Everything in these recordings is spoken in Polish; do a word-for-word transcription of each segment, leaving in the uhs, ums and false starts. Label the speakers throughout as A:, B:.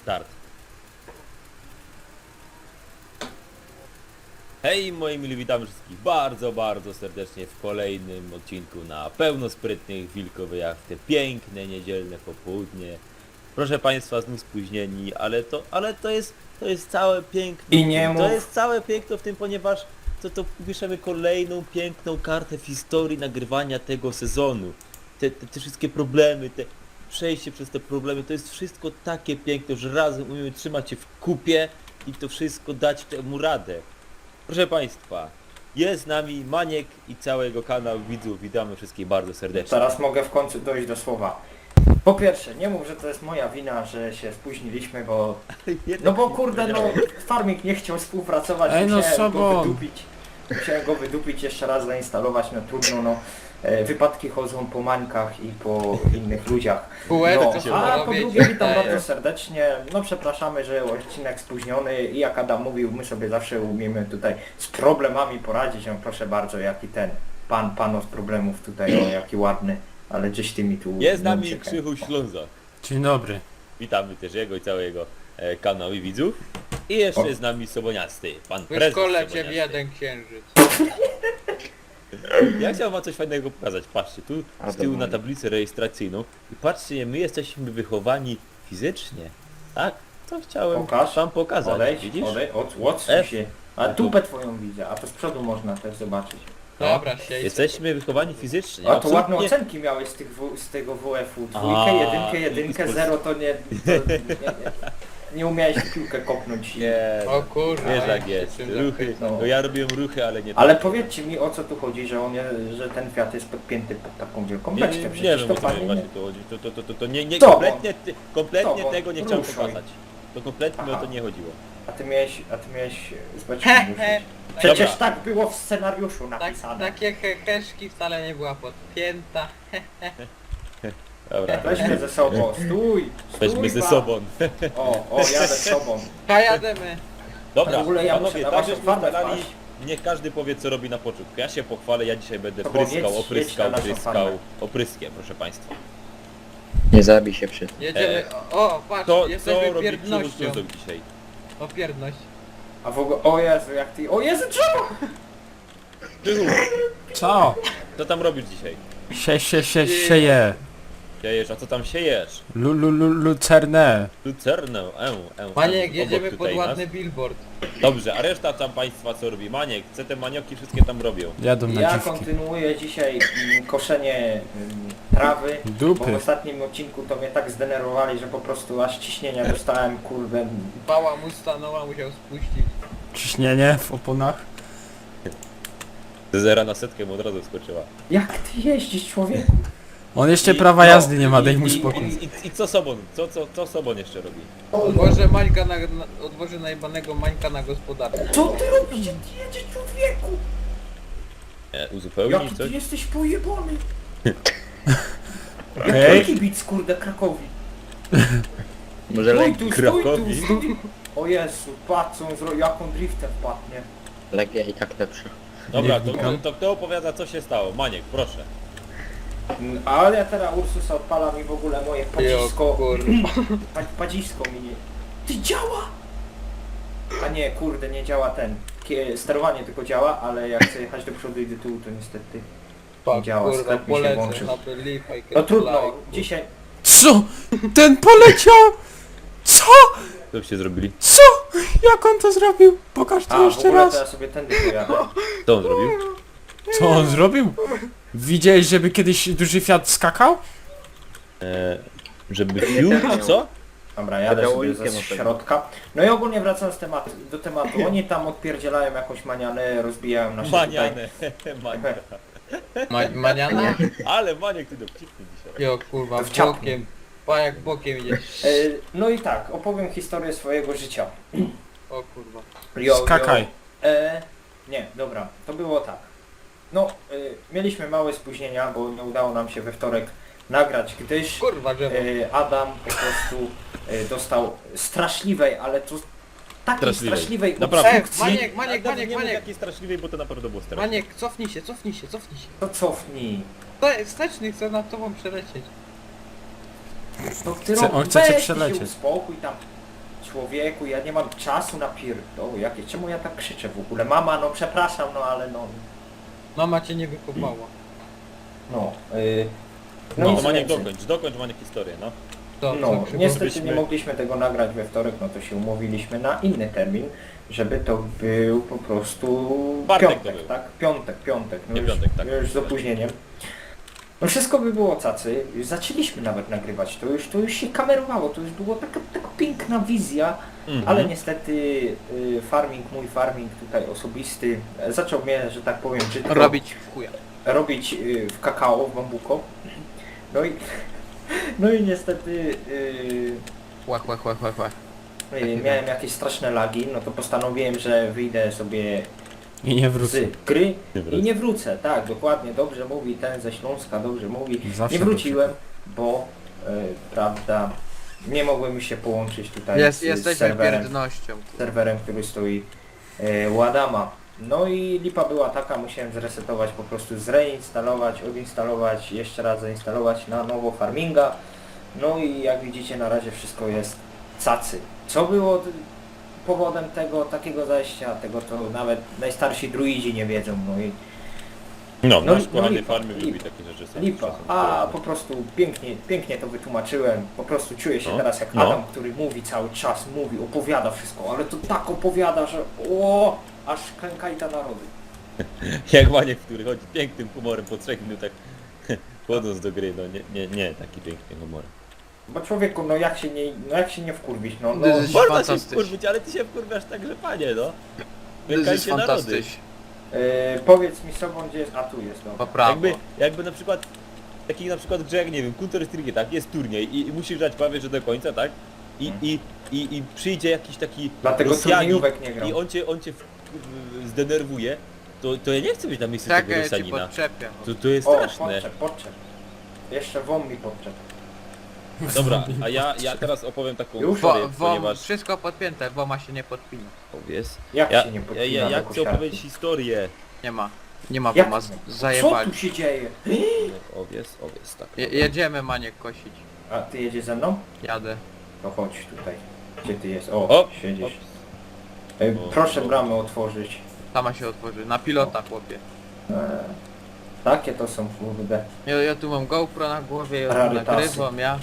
A: Start. Hej moi mili, witamy wszystkich bardzo, bardzo serdecznie w kolejnym odcinku na pełno sprytnych wilkowej jachty. Piękne, niedzielne popołudnie. Proszę Państwa, znów spóźnieni, ale to, ale to jest, to jest całe piękno.
B: I nie
A: To
B: mów.
A: jest całe piękno w tym, ponieważ to, to piszemy kolejną piękną kartę w historii nagrywania tego sezonu. Te, te, te wszystkie problemy, te przejście przez te problemy, to jest wszystko takie piękne, że razem umiemy trzymać się w kupie i to wszystko dać temu radę. Proszę Państwa, jest z nami Maniek i całego kanału widzów. Witamy wszystkich bardzo serdecznie.
B: Teraz mogę w końcu dojść do słowa. Po pierwsze, nie mów, że to jest moja wina, że się spóźniliśmy, bo... No bo kurde, no farming nie chciał współpracować,
C: Ej, no
B: musiałem go
C: Sobon.
B: wydupić. Musiałem go wydupić, jeszcze raz zainstalować, no trudno, no. E, Wypadki chodzą po mańkach i po innych ludziach.
D: Półeczko się
B: No, a po
D: robić.
B: drugie witam bardzo serdecznie. No przepraszamy, że odcinek spóźniony i jak Adam mówił, my sobie zawsze umiemy tutaj z problemami poradzić. No proszę bardzo, jaki ten pan, pan od problemów tutaj, o jaki ładny, ale gdzieś ty mi tu...
A: Jest z
B: no,
A: nami
B: czekaj.
A: Krzychu Ślązak.
C: Dzień dobry.
A: Witamy też jego i całego e, kanału i widzów. I jeszcze
B: O.
A: jest z nami Soboniasty, pan
D: W
A: prezes
D: szkole cię w
A: Soboniasty.
D: jeden księżyc.
A: Ja chciałem wam coś fajnego pokazać. Patrzcie, tu z tyłu na tablicę rejestracyjną. I patrzcie, my jesteśmy wychowani fizycznie. Tak? To chciałem
B: Pokaż.
A: wam pokazać.
B: Odejdź,
A: Widzisz?
B: odejdź, od, odsuń
A: F.
B: się. A dupę twoją widzę, a to z przodu można też zobaczyć.
D: Dobra, siedź.
A: Jesteśmy wychowani fizycznie.
B: A to ładne
A: Absolutnie-
B: ocenki miałeś z, tych w, z tego W F-u. Dwójkę,
A: A,
B: jedynkę,
A: i-
B: jedynkę,
A: i z-
B: zero to nie... To nie, nie, nie umiałeś w piłkę kopnąć.
A: Nie,
D: O kurwa.
A: wiesz jak
D: się
A: jest.
D: czym
A: Ruchy,
D: zachwycał.
A: no ja robiłem ruchy, ale nie
B: Ale
A: tak.
B: powiedzcie mi, o co tu chodzi, że on, je- że ten Fiat jest podpięty pod taką wielką
A: Nie,
B: beczkę.
A: nie, nie
B: Przecież
A: wiem
B: to
A: o co
B: panie
A: właśnie
B: nie...
A: tu chodzi. To, to, to, to, to nie, nie
B: To,
A: kompletnie, ty, kompletnie
B: to,
A: tego nie chciałem
B: ruszaj.
A: pokazać. To kompletnie mi o
B: Aha.
A: to nie chodziło.
B: A ty miałeś, a ty miałeś z beczką
D: He,
B: ruszyć.
D: he.
B: Przecież
A: Dobra.
B: tak było w scenariuszu
D: Tak,
B: napisane.
D: takie heheszki wcale nie była podpięta.
A: Dobra,
B: Weźmy ze sobą, stój! stój
A: weźmy ze
B: pan.
A: sobą.
B: O, o, jadę z sobą.
D: A jademy.
A: Dobra,
B: W ogóle ja muszę
A: panowie,
B: na
A: tak
B: waszą
A: żeśmy
B: farmę
A: ustalali,
B: wpaść.
A: niech każdy powie co robi na początku. Ja się pochwalę, ja dzisiaj będę
B: To powiedz,
A: pryskał,
B: jedź
A: opryskał,
B: na naszą
A: pryskał,
B: farmę.
A: opryskiem, proszę państwa.
E: Nie zabij się przy tym.
D: Jedziemy. O, patrz,
A: To, co
D: jesteśmy
A: robi
D: pierdnością.
A: Krzychu dzisiaj?
D: O pierdność.
B: A w ogóle, o Jezu, jak ty... O Jezu, drzewo!
A: Krzychu,
C: Co?
A: co tam robisz dzisiaj?
C: Sie, sie, sie, sieje.
A: Siejesz, a co tam siejesz?
C: Lu, lu, lu, lucernę.
A: Lucernę, e, e,
D: Maniek,
A: obok
D: jedziemy pod
A: tutaj
D: ładny
A: nas.
D: billboard.
A: Dobrze, a reszta tam państwa co robi? Maniek, co te manioki wszystkie tam robią?
C: Jadą na
B: Ja
C: dziwki.
B: kontynuuję dzisiaj mm, koszenie mm, trawy, bo w
C: Dupy.
B: ostatnim odcinku to mnie tak zdenerwowali, że po prostu aż ciśnienia dostałem, kurde.
D: Bała mu stanęła, musiał spuścić.
C: Ciśnienie w oponach.
A: Ze zera na setkę mu od razu skoczyła.
B: Jak ty jeździsz, człowieku?
C: On jeszcze
A: I-
C: prawa
B: no,
C: jazdy nie ma,
B: i-
C: daj mu
B: i-
C: spokój.
A: I, i, i co Sobon? Co, co, co Sobon jeszcze robi?
D: Odwożę Mańka na, na, odwożę najbanego Mańka na gospodarkę.
B: Co ty robisz? Ty jedziesz, człowieku?
A: E,
B: Jaki
A: uzupełnić
B: ty
A: coś?
B: jesteś pojebany?
C: Okej.
B: Jaki kibic, kurde, Krakowi?
E: Może
B: Stój
E: leg
B: tu, stój tu,
A: Krakowi?
B: stój. O Jezu, patrz co on zrobił, jak on driftem wpadnie.
E: Legia i tak lepsza.
A: Dobra,
C: Nie
A: to,
C: wnikam.
A: to kto opowiada co się stało? Maniek, proszę.
B: Mm, Ale ja teraz Ursusa odpala mi w ogóle moje
D: Jo,
B: padzisko,
D: kurwa.
B: pa- padzisko mi nie... Ty działa! A nie, kurde, nie działa ten. Kie- Sterowanie tylko działa, ale jak chcę jechać do przodu i do tyłu, to niestety...
D: Fuck,
B: działa,
D: kurwa,
B: sklep mi się
D: polecę
B: włączył.
D: na believe I can
B: No trudno,
D: fly.
B: dzisiaj...
C: Co? Ten poleciał! Co?
A: Co byście zrobili?
C: Co? Jak on to zrobił? Pokaż
B: A,
C: to
B: w
C: jeszcze
B: ogóle to
C: raz.
B: ja sobie tędy pojadę.
A: Co on zrobił?
C: Co on zrobił? Widziałeś, żeby kiedyś duży Fiat skakał?
A: E, żeby fiu, co?
B: Dobra, jadę
E: Wydało
B: sobie
E: Ikiem
B: ze
E: opewnie.
B: środka. No i ogólnie wracając tematu, do tematu, oni tam odpierdzielają jakąś manianę, rozbijają nasze tutaj...
A: Manianę. Manianę.
D: Ma, maniana?
A: Ale Maniek ty dowcipny dzisiaj.
D: Jo, kurwa,
B: To wciapnij.
D: bokiem. Pa jak bokiem idziesz.
B: E, No i tak, opowiem historię swojego życia.
D: O kurwa.
B: Jo, jo.
C: Skakaj.
B: E, nie, dobra, to było tak. No, e, mieliśmy małe spóźnienia, bo nie udało nam się we wtorek nagrać, gdyż
D: Kurwa, drzewo.
B: e, Adam po prostu e, dostał straszliwej, ale to takiej
A: Straszliwej.
B: straszliwej
A: Naprawdę.
D: Ej,
B: obstrukcji.
D: Maniek, Maniek,
A: Nawet
D: Maniek,
A: nie mów
D: Maniek.
A: jakiej straszliwej, bo to naprawdę było straszne.
D: Maniek, cofnij się, cofnij się, cofnij się.
B: To cofnij.
D: To jest wsteczny, chcę nad tobą przelecieć.
B: To ty
C: Chce-
B: rob-
C: on chce cię
B: weź ty
C: przelecieć.
B: się uspokój tam. Człowieku, ja nie mam czasu na pierdoły jakie. Czemu ja tak krzyczę w ogóle? Mama, no przepraszam, no ale no...
D: Mama cię nie wykopała.
B: No, yy,
A: No,
B: nic
A: Maniek,
B: więcej.
A: dokończ, dokończ Maniek historię, no.
D: To,
B: No,
D: co
B: niestety
A: przypomnieliśmy-
B: nie mogliśmy tego nagrać we wtorek, no to się umówiliśmy na inny termin, żeby to był po prostu
A: Bartek to
B: piątek,
A: był.
B: tak? Piątek, piątek, no
A: Nie
B: już,
A: piątek, tak.
B: już z opóźnieniem. No wszystko by było cacy, zaczęliśmy nawet nagrywać, to już, to już się kamerowało, to już była taka, taka piękna wizja,
A: Mhm.
B: ale niestety y, farming, mój farming tutaj osobisty, e, zaczął mnie, że tak powiem, brzydko
D: robić w chuja.
B: robić y, w kakao, w bambuko. No i, no i niestety y,
D: Chła, chła, chła, chła, chła.
B: y, miałem jakieś straszne lagi, no to postanowiłem, że wyjdę sobie
C: I nie wrócę.
B: z gry
A: Nie
B: i
A: wrócę.
B: nie wrócę. Tak, dokładnie, dobrze mówi ten ze Śląska, dobrze mówi.
C: Zawsze
B: Nie wróciłem, bo y, prawda, nie mogłem się połączyć tutaj
D: Jest,
B: z, z
D: jesteśmy
B: serwerem,
D: pierdnością.
B: serwerem, który stoi y, u Adama. No i lipa była taka, musiałem zresetować, po prostu zreinstalować, odinstalować, jeszcze raz zainstalować na nowo farminga. No i jak widzicie na razie wszystko jest cacy. Co było t- powodem tego takiego zajścia, tego to nawet najstarsi druidzi nie wiedzą. No i
A: No,
B: No,
A: nasz
B: no
A: kochany
B: lipa,
A: farmy lubi
B: lipa.
A: takie rzeczy. sam-
B: lipa.
A: czasem
B: A
A: wprowadza.
B: po prostu pięknie, pięknie to wytłumaczyłem. Po prostu czuję się
A: No,
B: teraz jak
A: no.
B: Adam, który mówi cały czas, mówi, opowiada wszystko, ale to tak opowiada, że o, aż klękaj ta narody.
A: Jak Maniek, który chodzi pięknym humorem po trzech minutach wchodząc do gry, no nie, nie, nie, taki piękny humor.
B: Bo człowieku, no jak się nie, no jak się nie wkurwić, no, no
D: To jest-
A: Można się
D: fantastycznie.
A: wkurwić, ale ty się wkurwiasz tak, że panie, no.
D: To jest
A: Klękajcie narody.
D: fantastycznie.
B: yy, powiedz mi sobą, gdzie jest, a tu jest,
D: Po
B: dobra.
D: prawo.
A: Jakby, jakby na przykład, taki na przykład grze jak, nie wiem, Counter Strike, tak, jest turniej i, i musisz grać prawie że do końca, tak? I,
B: Hmm.
A: i, i, i przyjdzie jakiś taki
B: Dlatego
A: Rosjanin
B: turniejówek nie gram.
A: i on cię, on cię w, w, zdenerwuje, to, to ja nie chcę być na miejscu tego
D: Czekaj, ja ci
A: Rosjanina.
D: podczepię.
A: To, to jest
B: O,
A: straszne.
B: podczep, podczep. Jeszcze wom mi podczep.
A: Dobra, a ja, ja teraz opowiem taką
B: Już?
A: historię,
D: Wo, wo,
A: ponieważ...
D: wszystko podpięte, woma się nie podpina.
A: Powiedz.
B: Jak
A: Ja,
B: się nie
A: ja,
B: podpina
A: ja, ja
B: do
A: chcę
B: kosiarki?
A: opowiedzieć historię.
D: Nie ma. Nie ma
B: Jak?
D: woma, z-
B: Co
D: zajebali.
B: tu się dzieje?
A: Owies, owies, tak.
D: Je, jedziemy Maniek kosić.
B: A ty jedziesz ze mną?
D: Jadę.
B: To chodź tutaj. Gdzie ty jest? O,
A: O,
B: siedzisz.
A: o.
B: Ej,
A: O,
B: proszę
A: o.
B: bramę otworzyć.
D: Sama się otworzy. Na pilota, chłopie.
B: Eee, takie to są kurde.
D: Ja, ja tu mam GoPro na głowie, ja tu
B: Rarytasy.
D: nagrywam, ja.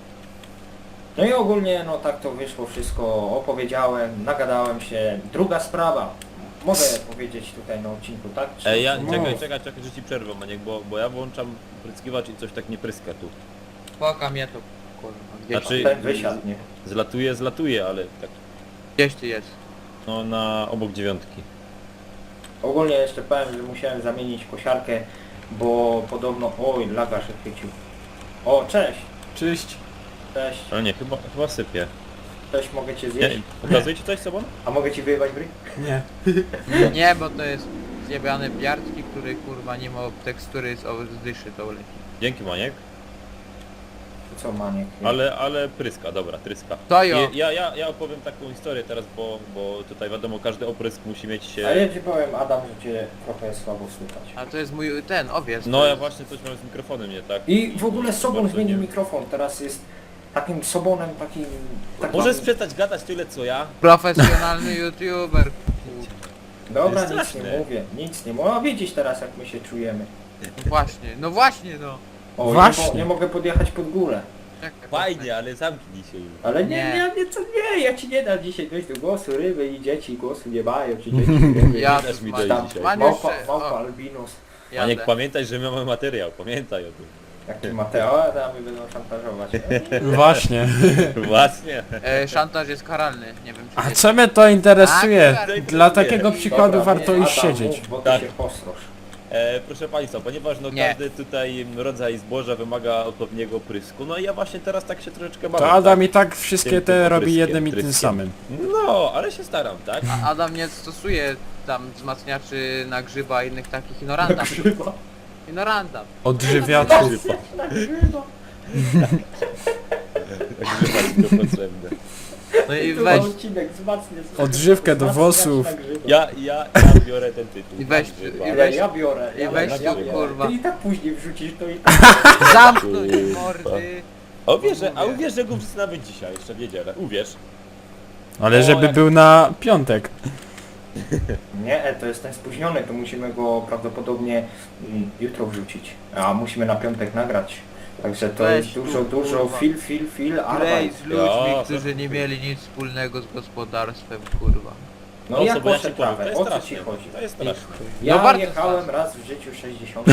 B: No i ogólnie no tak to wyszło wszystko, opowiedziałem, nagadałem się. Druga sprawa. Mogę powiedzieć tutaj na odcinku, tak? Czy-
A: Ej, ja,
B: No.
A: czekaj, czekaj, czekaj, że ci przerwę, Maniek, bo, bo ja włączam pryskiwacz i coś tak nie pryska tu.
D: Poka mnie to, kurwa. Gdzieś,
A: Znaczy-
B: Ten wysiadł, nie?
A: Zlatuje, zlatuje, ale tak,
D: gdzieś ty jest.
A: no na obok dziewiątki.
B: Ogólnie jeszcze powiem, że musiałem zamienić kosiarkę, bo podobno... Oj, laga się chwycił. O, cześć!
C: Cześć.
B: Cześć,
A: Ale nie, chyba, chyba sypie.
B: cześć, mogę cię
A: Nie,
B: zjeść?
A: pokazuje ci coś sobą?
B: A mogę ci wyjebać bry?
C: Nie.
D: Nie, bo to jest zjebany piartki, który kurwa nie ma tekstury z z dyszy, to leci.
A: Dzięki, Maniek.
B: To co, Maniek?
A: Ale, ale pryska, dobra, tryska.
D: To jo.
A: I, ja, ja, ja opowiem taką historię teraz, bo, bo tutaj wiadomo, każdy oprysk musi mieć
B: A
A: się...
B: ja ci powiem, Adam, że cię trochę słabo słychać.
D: A to jest mój ten owiec.
A: No
D: to
A: ja
D: jest-
A: właśnie coś mam z mikrofonem, nie tak?
B: I w ogóle Sobon
A: Bardzo
B: zmienił
A: nie.
B: mikrofon, teraz jest takim Sobonem, takim... takim...
A: Możesz przestać gadać tyle co ja?
D: Profesjonalny youtuber. kurwa.
B: Dobra,
A: jest
B: nic
A: straszne.
B: nie mówię, nic nie mówię. A widzisz teraz jak my się czujemy.
D: No właśnie, no właśnie no.
B: O,
C: Właśnie.
B: Nie, mo- nie mogę podjechać pod górę.
D: Czekaj,
A: Fajnie, ale zamknij się już.
B: Ale nie,
D: Nie.
B: nie, nie, co, nie, ja ci nie dam dzisiaj dojść do głosu, ryby i dzieci głosu nie mają, czy dzieci nie
D: Ja
A: Nie dasz
D: tu
A: mi
D: z
A: dojść
D: Maniek-
A: dzisiaj.
D: Maniek
B: Małpa,
D: jeszcze-
B: małpa
D: o,
B: albinos.
A: Maniek,
D: jadę.
A: pamiętaj, że my mamy materiał, pamiętaj o tym.
B: Jaki Mateo, a damy będą szantażować.
C: Właśnie.
A: Właśnie.
D: E, szantaż jest karalny, nie wiem czy
C: A
D: wiecie.
C: co mnie to interesuje?
D: A,
C: Dla takiego przykładu
B: Dobra,
C: warto
B: nie,
C: iść
B: Adam,
C: siedzieć.
B: Mów, bo ty
A: Tak.
B: się posrosz.
A: E, proszę Państwa, ponieważ no
D: Nie.
A: każdy tutaj rodzaj zboża wymaga odpowiedniego prysku, no i ja właśnie teraz tak się troszeczkę bawię.
C: To Adam
A: tak?
C: i tak wszystkie
A: Tym-
C: te
A: tym
C: robi
A: opryskiem,
C: jednym i tym
A: tryskiem.
C: samym.
A: No, ale się staram, tak?
D: A Adam nie stosuje tam wzmacniaczy na grzyba i innych takich ignorantów.
B: Grzyba.
D: Ignoranta.
C: Odżywiaczów.
B: Grzyba.
A: Grzyba ci to potrzebne.
D: No i
B: Tu
D: weź,
B: odcinek wzmacnia.
C: Odżywkę do
B: wzmacniacz
C: włosów.
B: na grzyba.
A: Ja, ja, ja biorę ten tytuł.
D: I weź-
A: Grzyba.
D: i
B: Ja,
D: weź-
B: ja biorę.
D: i
B: ja
D: weź
B: biorę,
A: tu,
B: ja biorę.
D: kurwa.
B: Ty i tak później wrzucisz to i tak.
D: zamknąć
A: Kurwa.
D: mordy.
A: A uwierz, że- a uwierz, że go wrzucę nawet dzisiaj, jeszcze w niedzielę. Uwierz.
C: Ale
B: O,
C: żeby
B: jak-
C: był na piątek.
B: Nie, e, to jest ten spóźniony, to musimy go prawdopodobnie mm, jutro wrzucić. A musimy na piątek nagrać. Także to
D: Weź
B: jest
D: tu,
B: dużo, dużo
D: kurwa.
B: fil, fil, fil,
D: Graj
B: arbeit.
D: z ludźmi,
A: Ja,
D: którzy nie mieli nic wspólnego z gospodarstwem, kurwa.
B: No
A: O,
B: ja
A: co, bo ja
B: koszę
A: ci powiem, to
B: trawę,
A: jest
B: o co
A: straszne.
B: ci chodzi?
A: To jest straszne.
B: Ja
D: No bardzo
B: jechałem
D: straszne.
B: raz w życiu sześćdziesiąt.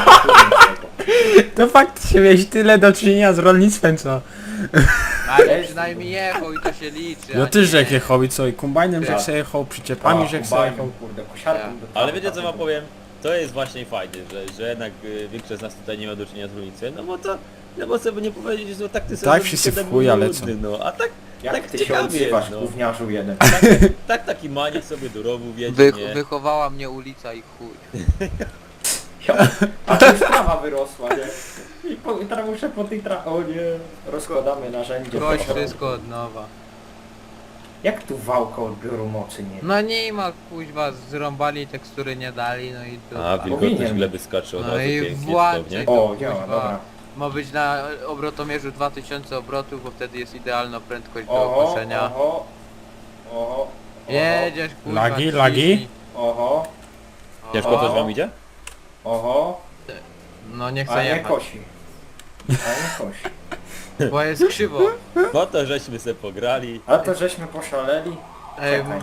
C: To faktycznie miałeś tyle do czynienia z rolnictwem, co?
D: Ale
B: Jest-
D: przynajmniej jechał i to się liczy.
C: No
D: a
C: ty
D: nie.
C: żech jechał i co? I kombajnem
B: Ja.
C: żech se jechał, przyczepami żech se jechał.
B: kurde, kosiarką do
A: Ale
B: trawy
A: wiecie co wam
B: takiego.
A: powiem? To jest właśnie fajne, że, że jednak y, większość z nas tutaj nie ma do czynienia z rolnictwem, no bo to, no bo sobie nie powiedzieć, że tak ty sobie
C: Tak, wszyscy w chuj, ale co?
A: no, a tak,
B: Jak
A: tak
B: ty się
A: ciekawie
B: odzywasz,
A: jest, no.
B: gówniarzu jeden.
A: tak, tak taki maniek sobie do rowu wiedzie,
D: Wy,
A: nie?
D: wychowała mnie ulica i chuj.
B: Ja, a tu już trawa wyrosła, nie? I, po, i teraz muszę po tej trawie... O nie, rozkładamy narzędzie.
D: Koś wszystko od nowa.
B: Jak tu wałka odbioru mocy nie?
D: No nie ma kuźwa, zrąbali, tekstury nie dali, no i to...
A: A,
D: tak.
A: wilgotność
B: Powinien.
A: gleby skacze od
D: No
A: razu
D: i
A: pięknie,
D: włączaj.
A: cudownie.
B: O, działa,
D: Kuźwa.
B: dobra.
D: Ma być na obrotomierzu dwa tysiące obrotów, bo wtedy jest idealna prędkość do
B: Oho,
D: koszenia.
B: oho, oho,
D: Jedziesz kurwa,
C: Lagi,
D: ciśnij.
C: lagi?
B: oho,
A: Ciężko
B: O.
A: coś wam idzie?
B: oho,
D: No nie
B: a
D: chcę
B: nie
D: jechać,
B: kosi. A nie kosi.
D: bo jest krzywo.
A: No to żeśmy se pograli.
B: A to żeśmy poszaleli.
D: Ej,
B: Czekaj.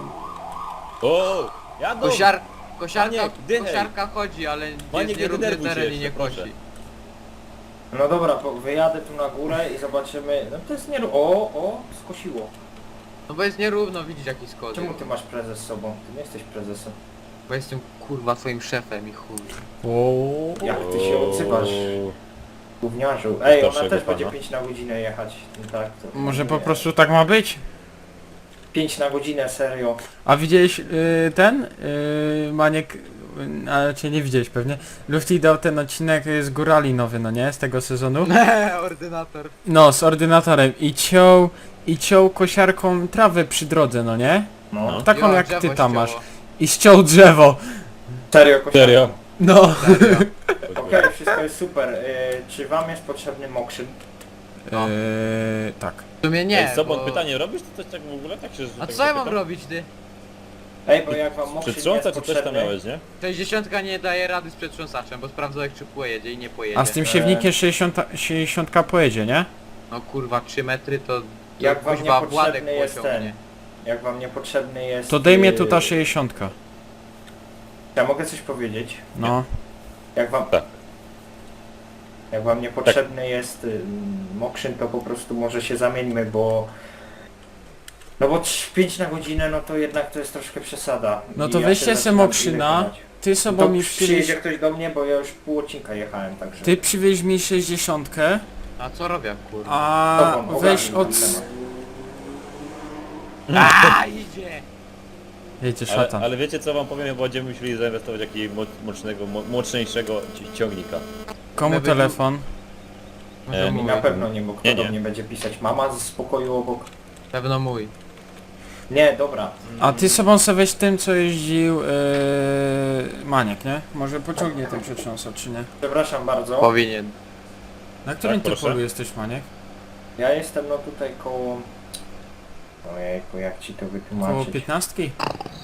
A: O, jadą!
D: kosiar, kosiarka,
A: Maniek, dychaj.
D: kosiarka chodzi, ale
A: Maniek,
D: jest
A: nie
D: nierówny
A: denerwuj się
D: teren i nie
A: jeszcze, proszę.
D: kosi.
B: No dobra, po, wyjadę tu na górę i zobaczymy. No to jest nie... O, o, skosiło.
D: No bo jest nierówno, widzisz jaki skos.
B: Czemu ty masz prezes z sobą? Ty nie jesteś prezesem.
D: Bo jestem kurwa twoim szefem i chuj.
C: O,
B: Jak ty się odzywasz, gówniarzu? Ej, ona
A: Starszego
B: też będzie
A: pana.
B: pięć na godzinę jechać. No tak, to...
C: może
B: nie.
C: po prostu tak ma być?
B: pięć na godzinę, serio.
C: A widziałeś y, ten? Y, Maniek, y, ale cię nie widziałeś pewnie. Lufty dał ten odcinek y, z górali nowy, no nie? Z tego sezonu.
D: Ordynator.
C: No, z ordynatorem i ciął, i ciął kosiarką trawę przy drodze, no nie?
B: No.
A: No.
C: Taką
D: Jo,
C: jak
D: drzewo
C: ty tam
D: ścięło.
C: masz. I ściął drzewo.
B: Serio, kosiarką.
A: Serio?
C: No.
D: Serio.
B: Okej, wszystko jest super. Y, czy wam jest potrzebny mokrzyn?
D: No.
C: Eee, tak.
D: W sumie nie,
A: Ej, Sobot,
D: bo...
A: pytanie, robisz to coś tak w ogóle? Tak się, że
D: A
A: tak
D: co ja mam
A: zapytam?
D: robić ty?
B: Ej, bo jak wam mokrzyn jest
A: Przetrząsać czy coś tam
B: potrzebny...
A: miałeś, nie?
D: sześćdziesiątka nie daje rady z przetrząsaczem, bo sprawdzał jak czy pojedzie i nie pojedzie.
C: A z tym siewnikiem sześćdziesiąt, sześćdziesiąt pojedzie, nie?
D: No kurwa trzy metry to... to
B: Jak wam
D: kuźwa
B: niepotrzebny
D: Władek
B: jest
D: pociągnie.
B: ten? Jak wam niepotrzebny jest...
C: To dej mnie
B: y,
C: tu ta sześćdziesiąt.
B: Ja mogę coś powiedzieć?
C: No.
B: Jak wam...
A: Tak.
B: Jak wam niepotrzebny jest y, mokrzyn, to po prostu może się zamieńmy, bo... No bo pięć na godzinę, no to jednak to jest troszkę przesada.
C: No
B: I
C: to
B: ja
C: weźcie
B: się
C: se
B: zaczynam
C: mokrzyna.
B: innych jechać.
C: Ty
B: No
C: sobą
B: to
C: mi
B: przyjedzie
C: przywieź...
B: ktoś do mnie, bo ja już pół odcinka jechałem, także...
C: Ty przywieź mi sześćdziesiątkę,
D: A co robię kurwa?
C: a
B: Tobą,
C: weź
B: ogarnij
C: od...
B: ten temat.
D: A idzie!
C: Wiecie,
A: Ale,
C: szatan.
A: ale wiecie co wam powiem, bo będziemy musieli zainwestować w jakiegoś mo- mocnego, mo- mocniejszego ci- ciągnika.
C: Komu
D: Żeby-
C: telefon?
D: Może
A: E,
D: mój.
B: Na pewno nie, bo kto
A: Nie,
B: do
A: nie.
B: mnie będzie pisać? Mama z pokoju obok?
D: Pewno mój.
B: Nie, dobra.
C: A ty sobą sobie weź tym, co jeździł yy, Maniek, nie? Może pociągnie ten przetrząsacz, czy nie?
B: Przepraszam bardzo.
D: Powinien.
C: Na którym
A: Tak,
C: ty
A: proszę.
C: polu jesteś, Maniek?
B: Ja jestem no tutaj koło... Ojejku, jak ci to
C: Koło
B: wytłumaczyć?
C: piętnastki?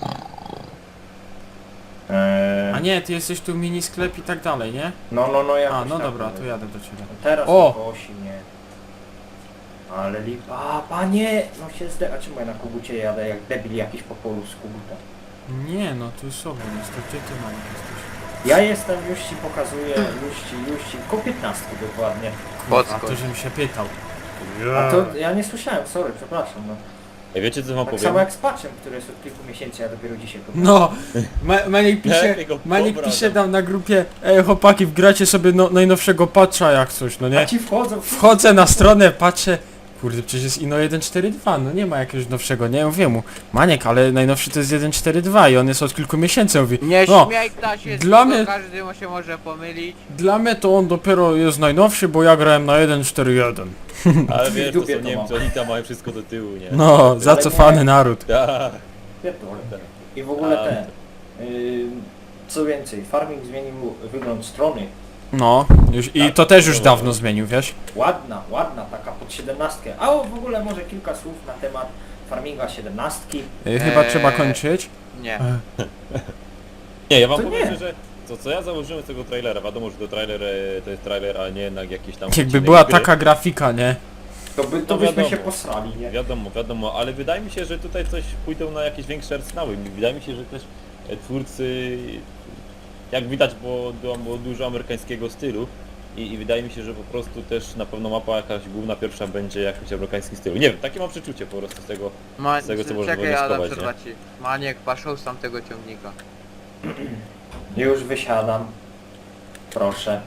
B: Eee,
C: A nie, ty jesteś tu mini sklep i tak dalej, nie?
B: No, no, no, jakoś
C: A, no
B: tak
C: dobra,
B: mówię.
C: to jadę do ciebie.
B: Teraz
C: O!
B: o! kosi mnie. Ale lipa... A, panie! No się zde... A czemu ja na kogucie jadę jak debil jakiś po polu z koguta?
C: Nie, no tu sobą jest, to gdzie ty, Maniek, jesteś?
B: Ja jestem, już ci pokazuję, już ci, już ci, koło piętnastki dokładnie.
C: A
D: Podskocz.
C: to, żebym się pytał.
B: A to ja nie słyszałem, sorry, przepraszam. No.
A: Ej, wiecie co wam
B: Tak
A: powiem?
B: samo jak z patchem, który jest od kilku miesięcy, ja dopiero dzisiaj go...
C: No! Ma Maniek pisze,
A: Lepiej go
C: Maniek
A: pobrał,
C: pisze
A: no.
C: tam na grupie: ej chłopaki, wgracie sobie no, najnowszego patcha jak coś, no
B: A
C: nie?
B: ci wchodzą...
C: Wchodzę na stronę, patrzę, kurde, przecież jest Ino jeden cztery dwa, no nie ma jakiegoś nowszego, nie? Mówię mu: Maniek, ale najnowszy to jest jeden cztery dwa i on jest od kilku miesięcy, mówi:
D: Nie
C: no,
D: śmiej Ktasie,
C: dla
D: tylko
C: mnie-
D: każdy mu się może pomylić.
C: dla mnie to on dopiero jest najnowszy, bo ja grałem na jeden cztery jeden.
A: Ale wiesz, to
B: Dupie
A: są
B: to
A: Niemcy,
B: mam.
A: oni tam mają wszystko do tyłu, nie?
C: No, zacofany naród.
A: Tak.
B: Pierdolę. I w ogóle
A: A.
B: te... Yy, co więcej, farming zmienił wygląd strony.
C: No, już, i
A: Tak,
C: to też już
A: to-
C: dawno zmienił, wiesz?
B: Ładna, ładna, taka pod siedemnastkę. A o, w ogóle może kilka słów na temat Farminga siedemnastki.
C: Y, Chyba
D: Eee.
C: trzeba kończyć.
D: Nie.
A: Nie, ja wam
B: To
A: powiem
B: nie.
A: szczerze, co, co ja założyłem z tego trailera, wiadomo, że to trailer e, to jest trailer, a nie jednak jakiś tam...
C: Jakby
A: odcinek
C: była
A: gry.
C: taka grafika, nie?
B: To, by, to
A: No
B: byśmy
A: wiadomo.
B: się posrali, nie?
A: Wiadomo, wiadomo, ale wydaje mi się, że tutaj coś pójdą na jakieś większe arsenały. Wydaje mi się, że też e, twórcy, jak widać, bo było dużo amerykańskiego stylu i, i wydaje mi się, że po prostu też na pewno mapa jakaś główna pierwsza będzie jakoś amerykańskim stylu. Nie wiem, takie mam przeczucie po prostu z tego.
D: Ma...
A: Z tego, co można
D: Czekaj, Adam,
A: wnioskować,
D: przerwa ci. Maniek, paszą z tamtego ciągnika.
B: Już wysiadam. Proszę.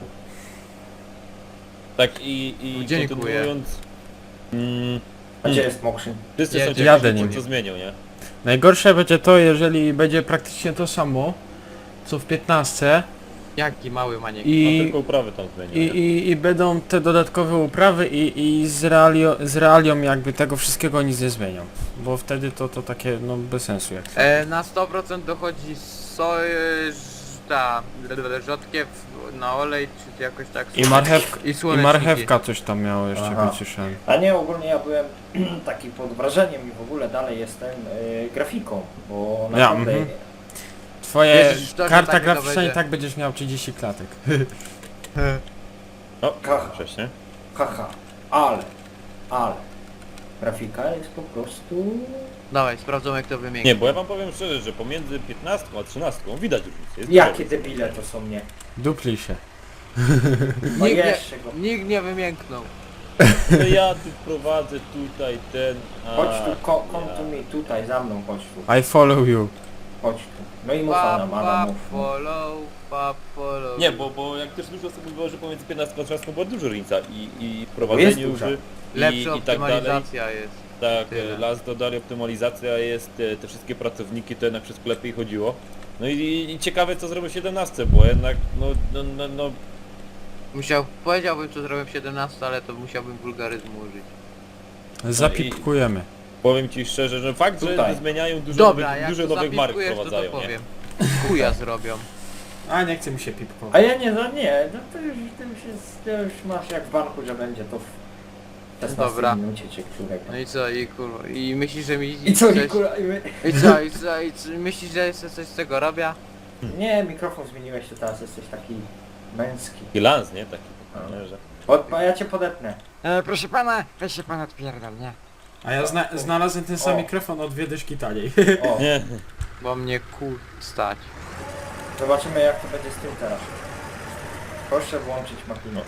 A: Tak i, i
D: Dziękuję.
A: kontynuując... Mm,
B: A gdzie jest Mokrzyn?
A: wszyscy
D: Ja-
A: są ciekawi,
C: jadę
A: co-
C: nim.
A: co zmienią, nie?
C: Najgorsze będzie to, jeżeli będzie praktycznie to samo, co w piętnastce
D: Jaki mały Maniek.
A: A
C: i,
A: tylko uprawy tam zmienią,
C: i,
A: nie?
C: i, i będą te dodatkowe uprawy i, i z, realio, z realią jakby tego wszystkiego nic nie zmienią. Bo wtedy to, to takie no bez sensu jak
D: E, na sto procent dochodzi soj... ta... rzodkiew na olej, czy jakoś tak...
C: I marchewka,
D: I
C: i
D: słoneczniki.
C: marchewka coś tam miało jeszcze
B: Aha.
C: być słyszałem.
B: A nie, ogólnie ja byłem taki pod wrażeniem i w ogóle dalej jestem y, grafiką, bo naprawdę...
C: mhm. Twoje
D: Wierzysz w to, że
C: karta
D: tak to
C: graficzna i
D: będzie?
C: tak będziesz miał trzydzieści klatek.
A: No,
B: Haha.
A: wcześniej.
B: Haha, ale, ale... Grafika jest po prostu...
D: Dawaj, sprawdzą jak to wymieni.
A: Nie, bo ja wam powiem szczerze, że pomiędzy piętnastką a trzynastką widać różnicę. Jest
B: Jakie
A: duża
B: debile to są, nie?
C: Dupli się.
B: No
D: Nikt nie,
B: jeszcze go.
D: nikt nie wymięknął.
A: różnica. To ja tu prowadzę tutaj ten... A,
B: Chodź tu, ko- come
A: ja.
B: to me, tutaj, za mną, chodź tu.
C: I follow you.
B: Chodź tu. No i mów
D: Pa,
B: Adam,
D: pa,
B: Adam, mów.
D: follow, pa, follow.
A: Nie, bo, bo jak też dużo osób mówiło, że pomiędzy piętnastką a trzynastką była duża różnica i, i w
B: jest
A: prowadzeniu
B: duża.
A: już i,
D: Lepsza
A: i tak dalej.
D: optymalizacja jest.
A: Tak,
D: Tyle.
A: e, las dodali, optymalizacja jest, te, te wszystkie pracowniki, to jednak wszystko lepiej chodziło. No i, i ciekawe co zrobią w siedemnastce, bo jednak no, no, no, no
D: Musiał, powiedziałbym co zrobiłem w siedemnaście, ale to musiałbym wulgaryzm użyć.
C: Zapipkujemy.
A: powiem ci szczerze, że fakt, że
B: Tutaj.
A: zmieniają dużo
D: Dobra,
A: nowych,
D: jak
A: dużo
D: to
A: nowych mark
D: zapipkujesz, to to
A: wprowadzają, nie?
D: powiem. Chuja zrobią.
C: A nie chce mi się pipkować.
B: A ja nie, no nie, no to już, to już jest, to już masz jak w banku, że będzie to w szesnastej
D: Dobra.
B: minucie czy którego.
D: No i co, i kurwa, i myślisz, że mi...
B: I co,
D: coś...
B: i kurwa, i my...
D: I co, i co, i co, myślisz, że jeszcze coś z tego robię?
B: Nie, mikrofon zmieniłeś, to teraz jesteś taki męski.
A: I lans, nie? Taki,
B: A.
A: nie, że...
B: Od, a ja cię podepnę.
F: E, proszę pana, weź się pan odpierdol, nie?
C: A ja zna znalazłem ten sam
B: O.
C: mikrofon o dwie dyszki taniej.
B: O,
A: Nie,
D: Bo mnie kur... stać.
B: zobaczymy jak to będzie z tym teraz. Proszę włączyć makinę.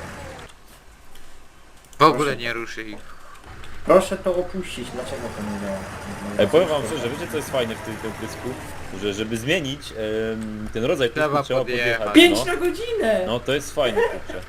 D: W ogóle nie ruszy ich.
B: Proszę to opuścić, dlaczego to nie działa?
A: Ej, powiem wam szczerze, wiecie co jest fajne w tym tym pysku? Że żeby zmienić em, ten rodzaj pysku
D: Trzeba
A: trzeba
D: podjechać.
A: podjechać.
B: Pięć
A: no.
B: na godzinę!
A: no to jest fajne, kurczę.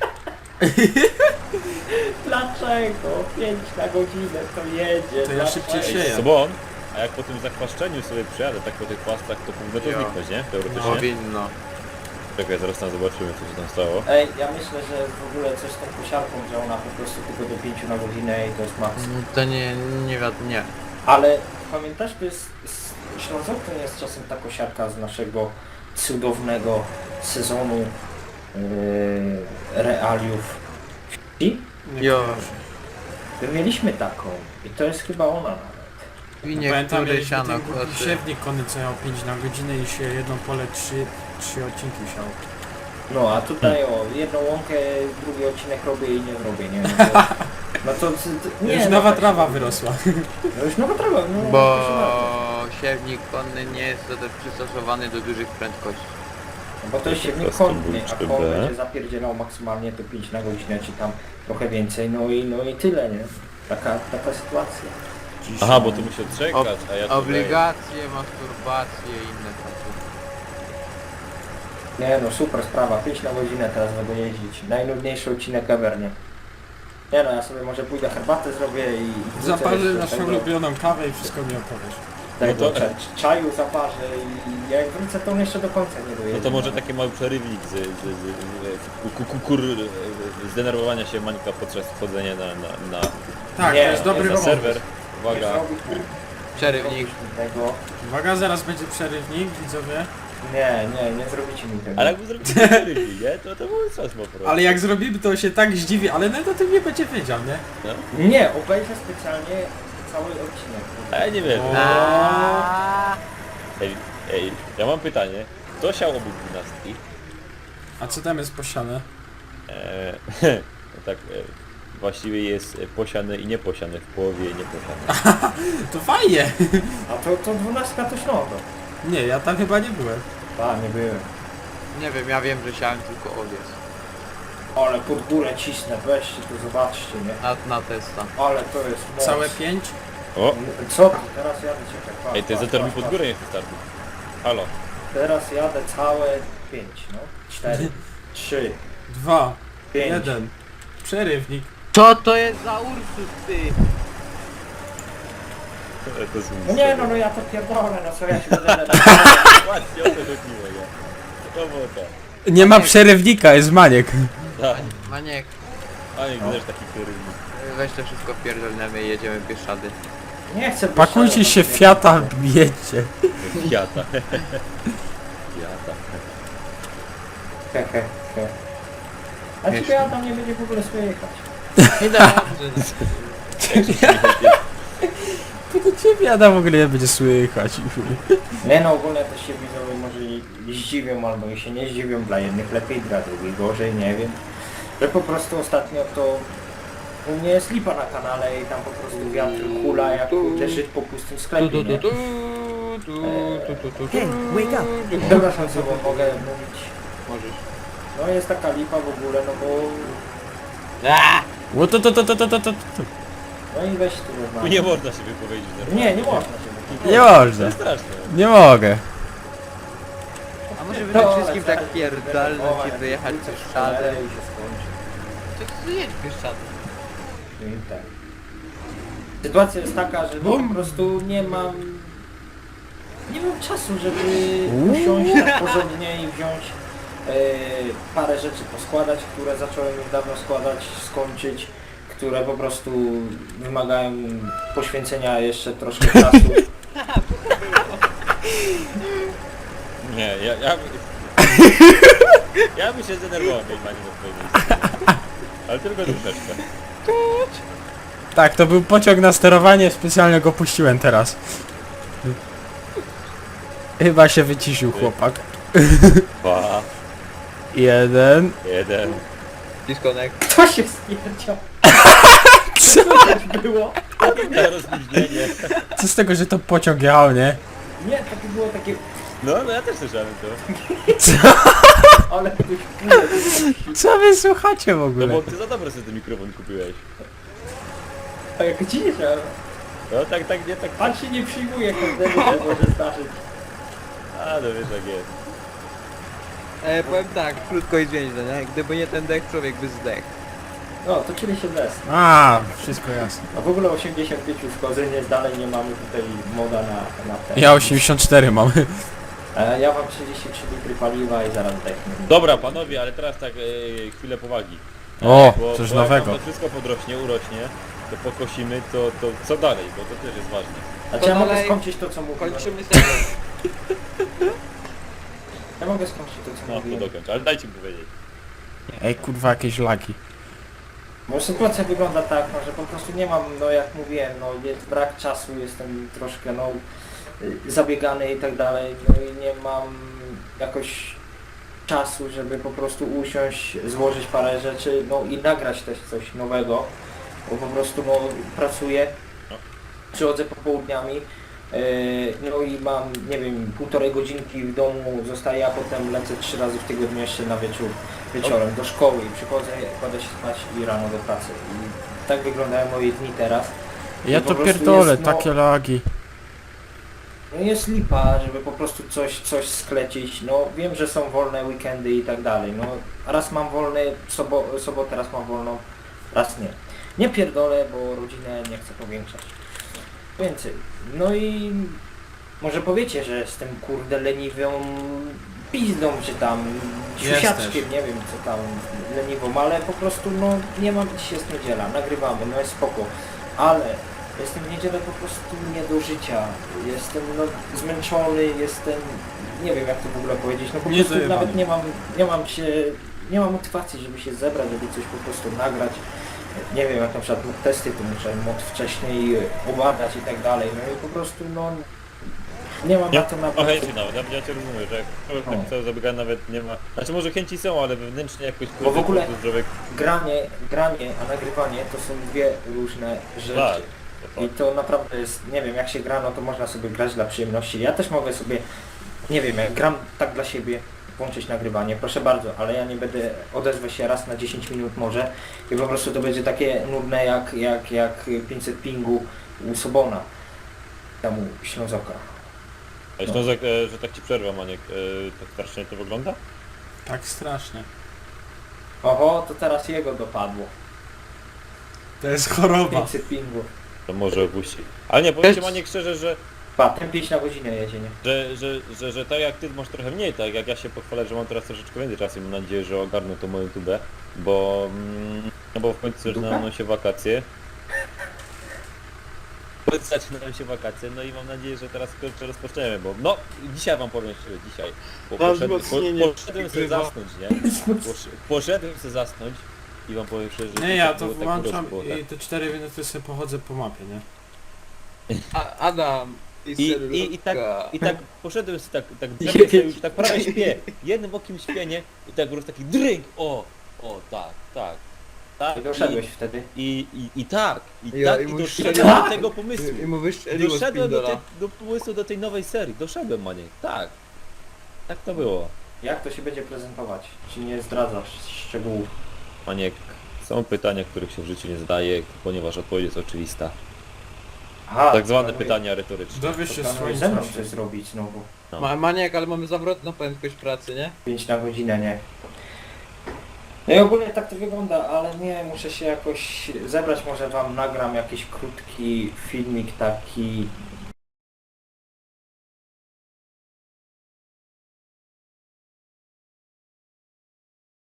B: Dlaczego? Pięć na godzinę to jedzie.
C: To ja szybciej
B: dlaczego?
C: sieję.
A: Sobon, a jak po tym zakwaszczeniu sobie przyjadę tak po tych płastach, to powinno to
D: Jo.
A: zniknąć, nie? Teoretycznie.
D: Powinno.
A: Czekaj, zaraz tam zobaczymy co się tam stało.
B: Ej, ja myślę, że w ogóle coś z tą kosiarką, że ona po prostu tylko do pięciu na godzinę i to jest maks.
D: Mm, To nie, nie wiadomo, nie.
B: Ale pamiętasz, to jest, z Ślązokiem jest czasem ta kosiarka z naszego cudownego sezonu yy, realiów wsi?
D: Jo.
B: My mieliśmy taką i to jest chyba ona nawet.
D: Winie,
C: Pamiętam,
D: który
C: mieliśmy
D: siano
C: ten głupi
D: koty.
C: siewnik konny, co miał pięć na godzinę i się jedno pole trzy, trzy odcinki siał.
B: No a tutaj o, jedną łąkę, drugi odcinek robię i nie zrobię, nie? No to, no to, to nie,
C: Już
B: no
C: nowa
B: tak
C: trawa
B: się-
C: wyrosła.
B: No już nowa trawa, no
D: Bo
B: proszę bardzo.
D: siewnik konny nie jest do- przystosowany do dużych prędkości.
B: No bo to jest siewnik
A: Custom
B: konny, a
A: Bull
B: koło
A: cztery B.
B: będzie zapierdzielał maksymalnie to pięć na godzinę, czy tam trochę więcej, no i no i tyle, nie? Taka, taka sytuacja.
A: Aha, bo tu musi odczekać, a ja tutaj...
D: Obligacje, masturbacje i inne takie.
B: Nie no, super sprawa, pięć na godzinę teraz będę jeździć. Najnudniejszy odcinek ever, nie? Nie no, ja sobie może pójdę herbatę zrobię i... i wrócę
C: Zaparzę
B: jeszcze
C: naszą
B: tego-
C: ulubioną kawę i wszystko mi opowiesz.
B: Tego
A: No to-
B: cza- czaju zaparzę i jak wrócę to on jeszcze do końca nie dojedzie.
A: No to może taki mały przerywnik z, z, z, z kukur zdenerwowania się Mańka podczas wchodzenia na, na, na,
C: Tak,
B: Nie,
C: to jest dobry
A: na
C: robot.
A: serwer.
B: Nie
A: Uwaga,
B: zrobi-
D: Przerywnik.
B: Tego.
C: Uwaga, zaraz będzie przerywnik, widzowie.
B: Nie, nie, nie zrobicie mi tego.
A: ale jakby zrobili przerywnik, nie? To to był czas po prostu.
C: Ale jak zrobimy, to się tak zdziwi, ale nawet o tym nie będzie wiedział, nie?
A: No.
B: Nie, obejrzę specjalnie cały odcinek.
A: A nie wiem.
D: Aaaa.
A: Ej, ej, ja mam pytanie. Kto siał obok dwunastki?
C: A co tam jest posiane?
A: Eee, no tak, e, właściwie jest e, posiane i nieposiane, w połowie nieposiane.
C: To fajnie!
B: A to, to dwunastka to Śląsko.
C: Nie, ja tam chyba nie byłem.
B: Tak, nie byłem.
D: Nie wiem, ja wiem, że siałem tylko owiec.
B: Ale pod górę cisnę, weźcie tu zobaczcie, nie?
D: Na, na testa.
B: Ale to jest moc.
C: Całe pięć?
A: O!
B: Co ty? Teraz jadę, czekaj, patrz,
A: Ej, ty
B: patrz,
A: zator mi
B: patrz,
A: pod
B: patrz.
A: górę nie wystarczy. Halo.
B: Teraz jadę całe pięć, no. Cztery, trzy,
C: Dwa,
B: pięć.
C: jeden. Przerywnik.
D: Co to jest za Ursus, ty?
A: To jest
B: No nie no, no ja to pierdolę, no co ja się będę...
A: Właśnie o to chodziło, ja. To było to.
C: Nie ma przerywnika, jest maniek.
A: Tak.
D: Maniek,
A: A nie, też taki kierownik.
D: weź to wszystko pierdolnemy i jedziemy Bieszczady.
B: Nie chcę...
C: Pakujcie się w Fiata, bijecie.
A: Fiata. Fiata.
B: He, he, he. A ciebie ja tam nie będzie w ogóle słychać.
D: Nie da rady.
C: Tylko ciebie Adam w ogóle nie będzie słychać.
B: Nie no, ogólnie też się widzowie może i zdziwią albo i się nie zdziwią, dla jednych lepiej, dla drugich gorzej, nie wiem. Że po prostu ostatnio to u mnie jest lipa na kanale i tam po prostu wiatr hula jak kurde żyć po pustym
D: Tu,
B: sklepie,
D: tu, tu,
B: nie?
D: tu, tu, tu, tu, tu, tu.
B: Przepraszam, co bo mogę mówić.
D: Możesz.
B: No jest taka lipa w ogóle, no bo...
D: Aaaa!
C: O, to, to, to, to, to, to, to.
B: No i weź tu
A: Tu
B: normalnie.
A: nie można się wypowiedzieć normalnie.
B: Nie, nie można się wypowiedzieć.
C: Nie
A: To
C: można.
A: jest straszne.
C: Nie mogę.
D: A może wy
B: No,
D: tak wszystkim
B: ale
D: tak
B: zaraz
D: pierdolnąć i
B: będę
D: wyjechać
B: wrócę w
D: Bieszczady?
B: cholerę i się skończy.
D: To jedź Bieszczady.
B: No i tak. Sytuacja jest taka, że no, po prostu nie mam... Nie mam czasu, żeby usiąść tak porządnie i wziąć e, parę rzeczy poskładać, które zacząłem już dawno składać, skończyć, które po prostu wymagają poświęcenia jeszcze troszkę czasu.
A: Nie, ja... Ja, by... ja bym się zdenerwował, jak pani na twojej miejscu. Ale tylko troszeczkę.
C: Tak, to był pociąg na sterowanie, specjalnie go puściłem teraz. Chyba się wyciszył chłopak.
A: Dwa,
C: Jeden.
A: jeden.
D: Disconnect.
B: To się stwierdziło.
C: Co?
B: Było?
A: Na rozluźnienie.
C: Co z tego, że to pociąg jechał, nie?
B: Nie, to było takie...
A: No, no ja też słyszałem to.
B: Ale ktoś kurde.
C: Co wy słuchacie w
A: No
C: ogóle?
A: bo ty za dobre sobie ten mikrofon kupiłeś.
B: A jak ciszę.
A: No tak, tak, nie, tak.
B: Pan się nie przyjmuje każdemu, co może zdarzyć.
A: A, no wiesz jak jest.
D: E, powiem tak, krótko i zwięźle, nie? Gdyby nie ten dech, człowiek by zdechł.
B: No, to czyli się des.
C: A, wszystko jasne.
B: A w ogóle osiemdziesiąt pięć uszkodzeń, jest dalej nie mamy tutaj moda na, na ten.
C: Ja osiemdziesiąt cztery mam.
B: E, ja mam trzydzieści trzy litry paliwa i zaraz zdechnę.
A: Dobra panowie, ale teraz tak e, chwilę powagi.
C: O,
A: Bo,
C: coś
A: bo jak
C: nowego.
A: nam to wszystko podrośnie, urośnie, to pokosimy, to, to co dalej, bo to też jest ważne.
B: Znaczy
D: To
B: ja mogę
D: dalej
B: skończyć to co mówiłem.
D: Kończymy sezon.
B: Ja mogę skończyć to co
A: No to
B: mówiłem.
A: dokończ, ale dajcie mi powiedzieć.
C: Ej, kurwa, jakieś lagi.
B: Bo sytuacja wygląda tak, no, że po prostu nie mam, no jak mówiłem, no jest brak czasu, jestem troszkę no y, zabiegany i tak dalej, no i nie mam jakoś czasu, żeby po prostu usiąść, złożyć parę rzeczy, no i nagrać też coś nowego, bo po prostu no pracuję, przychodzę popołudniami, yy, no i mam, nie wiem, półtorej godzinki w domu zostaję, a potem lecę trzy razy w tygodniu jeszcze na wieczór, wieczorem do szkoły i przychodzę, kładę się spać i rano do pracy. I tak wyglądają moje dni teraz.
C: Ja
B: I po
C: to
B: prostu
C: pierdolę,
B: jest, no,
C: takie lagi.
B: No jest lipa, żeby po prostu coś, coś sklecić. No wiem, że są wolne weekendy i tak dalej. No raz mam wolny, sobo, sobotę raz mam wolną, raz nie. Nie pierdolę, bo rodzinę nie chcę powiększać. Więcej. No i może powiecie, że jestem kurde leniwą pizdą, czy tam siusiaczkiem, nie wiem co tam leniwą, ale po prostu no nie mam, dziś jest niedziela, nagrywamy, no jest spoko. Ale jestem w niedzielę po prostu nie do życia. Jestem no, zmęczony, jestem... Nie wiem jak to w ogóle powiedzieć. No po
C: Nie
B: prostu
C: zajebany.
B: nawet nie mam, nie mam się... Nie mam motywacji, żeby się zebrać, żeby coś po prostu nagrać. nie wiem, jak na przykład mod testy, to muszę mod wcześniej obawiać i tak dalej, no i po prostu no nie mam na to
A: No
B: naprawdę...
A: chęci nawet, ja, ja cię rozumiem, że jak człowiek
B: No.
A: tak cały zabiega nawet nie ma... Znaczy może chęci są, ale wewnętrznie jakoś...
B: Bo w ogóle-
A: po prostu człowiek...
B: Granie, granie, a nagrywanie to są dwie różne rzeczy.
A: Tak, to
B: I
A: tak.
B: to naprawdę jest, nie wiem, jak się gra, no to można sobie grać dla przyjemności. Ja też mogę sobie, nie wiem, jak gram tak dla siebie, włączyć nagrywanie, proszę bardzo, ale ja nie będę, odezwę się raz na dziesięć minut może i po prostu to będzie takie nudne jak, jak, jak pięćset pingu u Sobona, tam u Ślązoka.
A: A Ślązek, e, że tak ci przerwę, Maniek, e, tak strasznie to wygląda?
C: Tak strasznie.
B: Oho, to teraz jego dopadło.
C: To jest choroba.
B: pięćset pingu.
A: To może opuści. Ale nie, powiem ci, Maniek, szczerze, że,
B: Pa, ten pięć na godzinę jedzie, nie?
A: że, że, że, że tak jak ty masz trochę mniej, tak jak ja się pochwalę, że mam teraz troszeczkę więcej czasu i mam nadzieję, że ogarnę to moją tubę, bo... Mm, no bo w końcu zaczynają się wakacje. W końcu zaczynają się wakacje, no i mam nadzieję, że teraz kurczę rozpoczniemy, bo no dzisiaj wam powiem szczerze, dzisiaj. Bo
D: Mam
A: poszedłem,
D: wzmocnienie
A: po, poszedłem sobie
D: grywa.
A: zasnąć, nie? Posz, poszedłem sobie zasnąć i wam powiem szczerze, że
C: Nie, ja
A: tak
C: to
A: było, tak
C: włączam
A: było, tak.
C: i te cztery minuty sobie pochodzę po mapie, nie?
D: A, Adam i,
A: I, i, i, tak, I tak poszedłem sobie tak, tak drzewię sobie już tak prawie śpię, jednym okiem śpię, nie? I tak po prostu taki drink, o, o, tak, tak. tak
B: I doszedłeś wtedy.
A: I, i, i tak, i
D: Ja-
A: tak,
D: i
A: i
D: mu
A: doszedłem
D: strzeliło-
A: do tego pomysłu.
D: I mu wystrzeliło z
A: Doszedłem do,
D: pindola.
A: te, do pomysłu do tej nowej serii, doszedłem, Maniek, tak. Tak to było.
B: Jak to się będzie prezentować? Czy nie zdradzasz szczegółów?
A: Maniek, są pytania, których się w życiu nie zadaje, ponieważ odpowiedź jest oczywista.
B: Aha,
A: Tak zwane
B: planuję-
A: pytania retoryczne.
C: Dowiesz się
B: planujesz
C: swoim
B: ze mną
C: czasem.
B: coś zrobić znowu.
A: No.
D: Ma, Maniek, ale mamy zawrotną prędkość pracy, nie?
B: pięć na godzinę, nie? No i ogólnie tak to wygląda, ale nie, muszę się jakoś zebrać, może wam nagram jakiś krótki filmik taki